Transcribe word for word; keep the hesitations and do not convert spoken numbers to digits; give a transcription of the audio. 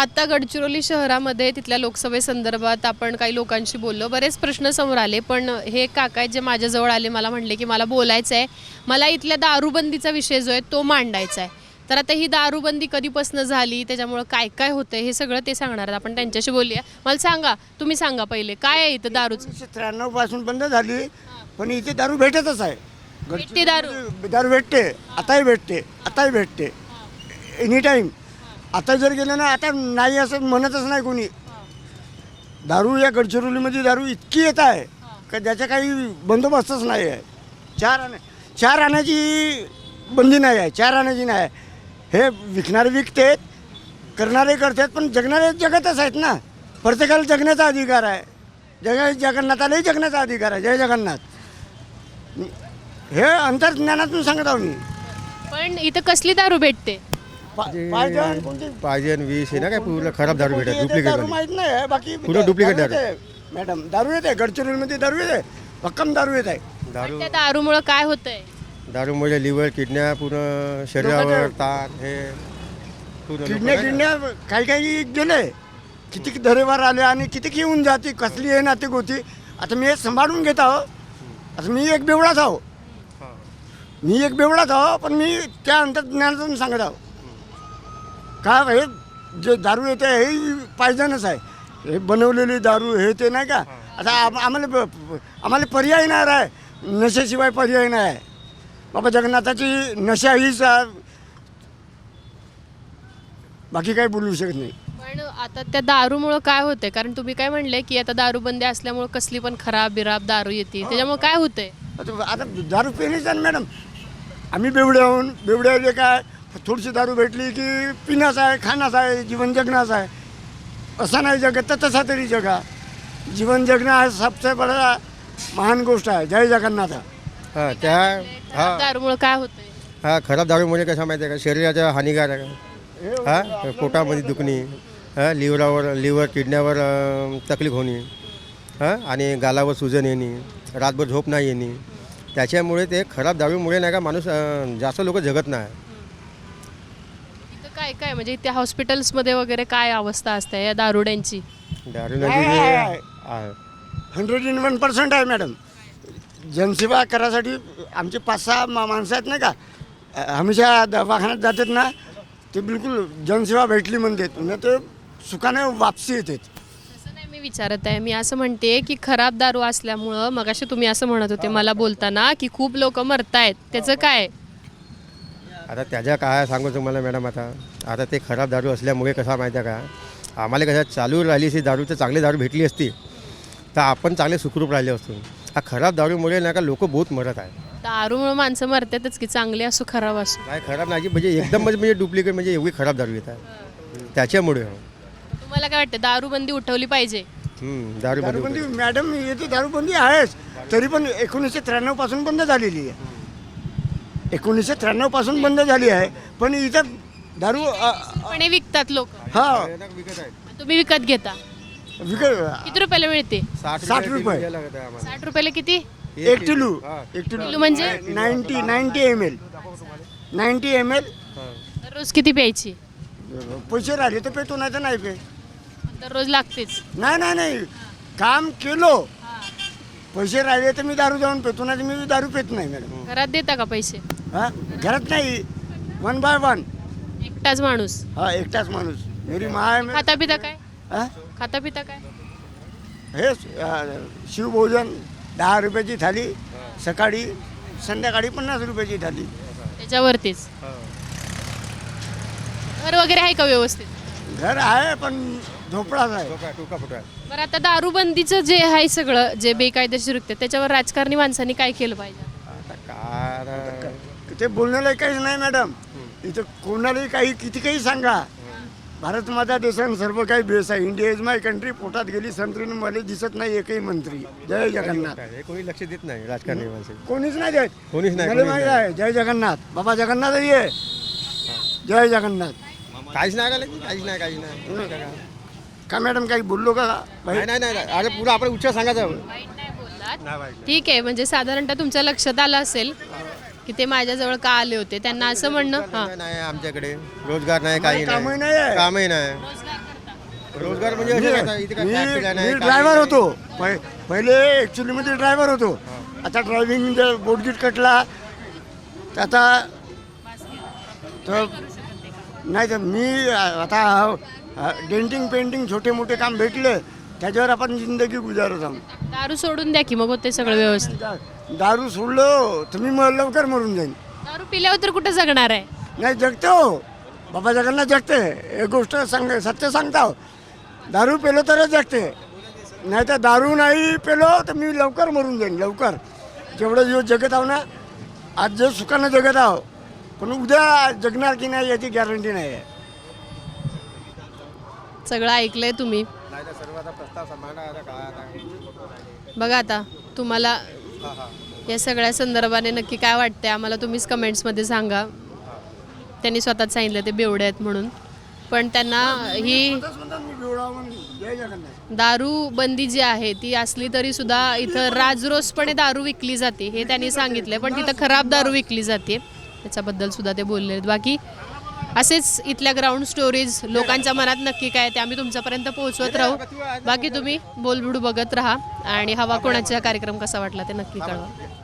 आता गडचिरोली शहरामध्ये तिथल्या लोकसभेसंदर्भात आपण काही लोकांशी बोललो, बरेच प्रश्न समोर आले, पण हे काका आहेत जे माझ्याजवळ आले, मला म्हणले की मला बोलायचं आहे, मला इथल्या दारूबंदीचा विषय जो आहे तो मांडायचा आहे. तर आता ही दारूबंदी कधीपासून झाली, त्याच्यामुळं काय काय होतं हे सगळं ते सांगणार आहेत. आपण त्यांच्याशी बोलूया. मला सांगा, तुम्ही सांगा पहिले काय आहे इथं दारूचं? एकोणीसशे त्र्याण्णव पासून बंद झाली, पण इथे दारू भेटतच आहे. भेटते दारू? दारू भेटते, आताही भेटते, आताही भेटते, एनी टाईम. आता जर गेलं ना, आता नाही असं म्हणतच नाही कोणी. दारू या गडचिरोलीमध्ये दारू इतकी येत आहे का ज्याचा काही बंदोबस्तच नाही आहे. चार आणे चार आण्याची बंदी नाही आहे, चार आण्याची नाही आहे. हे विकणारे विकतेत, करणारे करतात, पण जगणारे जगतच आहेत ना. प्रत्येकाला जगण्याचा अधिकार आहे. जग जगन्नाथालाही जगण्याचा अधिकार आहे. जय जगन्नाथ. हे अंतर्ज्ञानातून सांगत आहो मी. पण इथं कसली दारू भेटते? पा- पायजण कोणती पाहिजे वीस आहे ना काय पूर्ण खराब दारू भेटत कोणती येते डुप्लिकेट दारू माहित नाही आहे. बाकी पूर्ण duplicate दारू येते. मॅडम दारू येते, गडचिरोलीमध्ये दारू येते, भक्कम दारू येत आहे. दारू पण त्या दारूमुळं काय होतंय? दारूमुळे लिव्हर किडन्या पूर्ण शरीरावर लोकांच्या- ताण हे पूर्ण किडण्या लोकांना- किडण्या काही काही गेले, किती दरेवार आले आणि किती येऊन जाते, कसली आहे ना ती गोती. आता मी हे सांभाळून घेत आहो. आता मी एक बेवडाच आहो, हा. मी एक बेवडाच आहो, पण मी त्या अंतर्ज्ञानातून सांगत आहो. का हे जे दारू येते हे पायजनच आहे. हे बनवलेली दारू हे ते नाही का. आता आम- आम्हाला ब- आम्हाला पर्याय नाही आहे, नशेशिवाय पर्याय नाही आहे. बाबा जगन्नाथाची नशा हीच आ- बाकी काही बोलू शकत नाही. पण आता त्या दारूमुळं काय होतंय? कारण तुम्ही काय म्हणले की आता दारूबंदी असल्यामुळं कसली पण खराब बिराब दारू येते, त्याच्यामुळे काय होतंय? आता आता दारू पिण्याचं आहे ना मॅडम. आम्ही बेवडे आहोत, बेवड्याले काय थोडीशी दारू भेटली की पिण्याचं आहे, खाण्याचं आहे, जीवन जगण्याचं आहे. असा नाही जगत तर तसा तरी जगा. जीवन जगणं हा सबसे बडा महान गोष्ट आहे. जय जगन्नाथ. हा त्या हा दारूमुळं काय होतंय? हा खराब दारूमुळे कसं माहिती आहे का शरीराच्या हानिकारक आहे. हा पोटामध्ये दुखणी, हा लिव्हरावर लिव्हर किडन्यावर अं, तकलीफ होणे, हां आणि गालावर सुजन येणे, रातभर झोप नाही येणे. त्याच्यामुळे ते खराब दारूमुळे नाही का माणूस अं, जास्त लोक जगत नाही. इथं काय काय म्हणजे त्या हॉस्पिटल्समध्ये वगैरे काय अवस्था असते या दारुड्यांची? दारू आहे, नदी आहे, आहे. आहे. हंड्रेड इन वन पर्सेंट आहे मॅडम. जनसेवा करायसाठी आमचे पाच सहा मा माणसं आहेत नाही का, अ, हमेशा दवाखान्यात जातात ना, ते बिलकुल जनसेवा भेटली म्हणतात ना, ते सुखाने वापसी येतात. तसं नाही मी विचारत आहे. मी असं म्हणते की खराब दारू असल्यामुळं मगाशी तुम्ही असं म्हणत होते मला बोलताना की खूप लोक मरतायत, त्याचं काय? आता त्याच्या काय सांगू तुम्हाला मॅडम. आता आता ते खराब दारू असल्यामुळे कसा माहिती आहे का, आम्हाला कसं चालू राहिली असती दारू तर चांगली दारू भेटली असती तर आपण चांगले सुखरूप राहिले असतो. हा खराब दारूमुळे नाही का लोक बहुत मरत आहे. दारूमुळं माणसं मरतातच की, चांगली असो खराब असो. काय खराब नाही म्हणजे एकदम म्हणजे म्हणजे डुप्लिकेट म्हणजे एवढी खराब दारू येत आहे त्याच्यामुळे. तुम्हाला काय वाटतं दारूबंदी उठवली पाहिजे? हम्म, दारू बंद दारूबंदी मॅडम येते, दारूबंदी आहेच, तरी पण एकोणीसशे त्र्याण्णव पासून बंद झालेली आहे. एकोणीसशे त्र्याण्णव पासून बंद झाली आहे, पण इथं दारू अ, पण हे विकतात लोक, हा विकत आहे. तुम्ही विकत घेता. विक किती रुपयाला मिळते? साठ रुपये. द्यायला लागत आहे आम्हाला. साठ रुपयाला किती एक किलो हा. एक किलो किलो म्हणजे? Ninety ninety M L ninety M L. हा. दररोज किती प्यायची? पैसे राहिले तर पेतो, नाही तर नाही पे. दररोज लागतेच. नाही नाही नाही काम केलो, पैसे राहिले तर मी दारू जाऊन पेतो, नाही तर मी दारू पेत नाही मॅडम. घरात देता का पैसे? हा घरात नाही, वन बाय वन. एकटाच माणूस हा एकटाच माणूस. मेरी माय मे- खाता पिता काय? हा? खाता पिता काय? हेच अं, शिवभोजन दहा रुपयाची थाली, सकाळी संध्याकाळी पन्नास रुपयाची थाली. त्याच्यावरतीच घर वगैरे आहे का व्यवस्थित? घर आहे पण झोपडाच आहे. टोका टोका फुटा. बरं आता दारूबंदीचं जे आहे सगळं जे बेकायदेशीर कृत्य, त्याच्यावर राजकारणी माणसांनी काय केलं पाहिजे? आता काय ते बोलण्याला काहीच नाही मॅडम. इथं कोणालाही काही किती काही सांगा, भारत माझा देश आणि सर्व काही बेस आहे. India is my country. पोटात गेली संत्रीने मला दिसत नाही एकही मंत्री. जय जगन्नाथ. हे कोणी लक्ष देत नाही राजकारणी माणसं. कोणीच नाही देत. कोणीच नाही, मला कोणीच माहिती नाही. आहे. जय जगन्नाथ. बाबा जगन्नाथ आहे. जय जगन्नाथ. काहीच नाही का काहीच नाही काहीच नाही का मॅडम काही बोललो का बाई? नाही नाही नाही अरे पुढं आपण उच्च सांगायचं. वाईट नाही बोललात. नाही वाईट. ठीक आहे, म्हणजे साधारणतः तुमच्या लक्षात आलं असेल की ते माझ्याजवळ का आले होते. त्यांना असं म्हणणं हां नाही आमच्याकडे रोजगार नाही काही कामही नाही नाही आहे. कामही नाही. रोजगार रोजगार म्हणजे असं काय आता इथे काय factory मी नाही, मी काय ड्रायव्हर नाही. होतो पहि- पहिले ॲक्च्युलीमध्ये ड्रायव्हर होतो. आता ड्रायव्हिंग बोटगीट कटला तर आता तर नाही तर मी आता डेंटिंग पेंटिंग छोटे मोठे काम भेटले त्याच्यावर आपण जिंदगी गुजारत आहोत. दारू सोडून द्या की मग होते सगळं व्यवस्थित. दा- दारू सोडलो तर मी मग लवकर मरून जाईन. दारू पिल्यावर तर कुठं जगणार आहे. नाही जगतो बाबा जगांना जगते. एक गोष्ट सांग सत्य सांगता दारू पेलो तरच जगते. नाही तर दारू नाही पेलो तर मी लवकर मरून जाईन लवकर. जेवढं दिवस जगत आहो ना आज जे सुखानं जगत आहो पण उद्या जगणार की नाही याची गॅरंटी नाही आहे. सगळं ऐकलंय तुम्ही. नाही तर सर्व आता प्रस्ताव सांभाळणार आता काय आता बघा आता तुम्हाला या सगळ्या संदर्भाने नक्की काय वाटते आम्हाला तुम्हीच कमेंट्समध्ये सांगा. त्यांनी स्वतःच सांगितलं ते बेवडे आहेत म्हणून. पण त्यांना ही दारू बंदी जी आहे ती असली तरी सुद्धा इथं राजरोसपणे दारू विकली जाते हे त्यांनी सांगितलं. पण तिथं खराब दारू विकली जाते त्याच्याबद्दल सुद्धा ते बोलले आहेत. बाकी असेच इथल्या ग्राउंड स्टोरीज लोकांच्या मनात नक्की काय ते आम्ही तुमच्यापर्यंत पोहोचवत राहू. बाकी तुम्ही बोलबिडू बघत राहा आणि हवा कोणाचा कार्यक्रम कसा वाटला ते नक्की कळवा.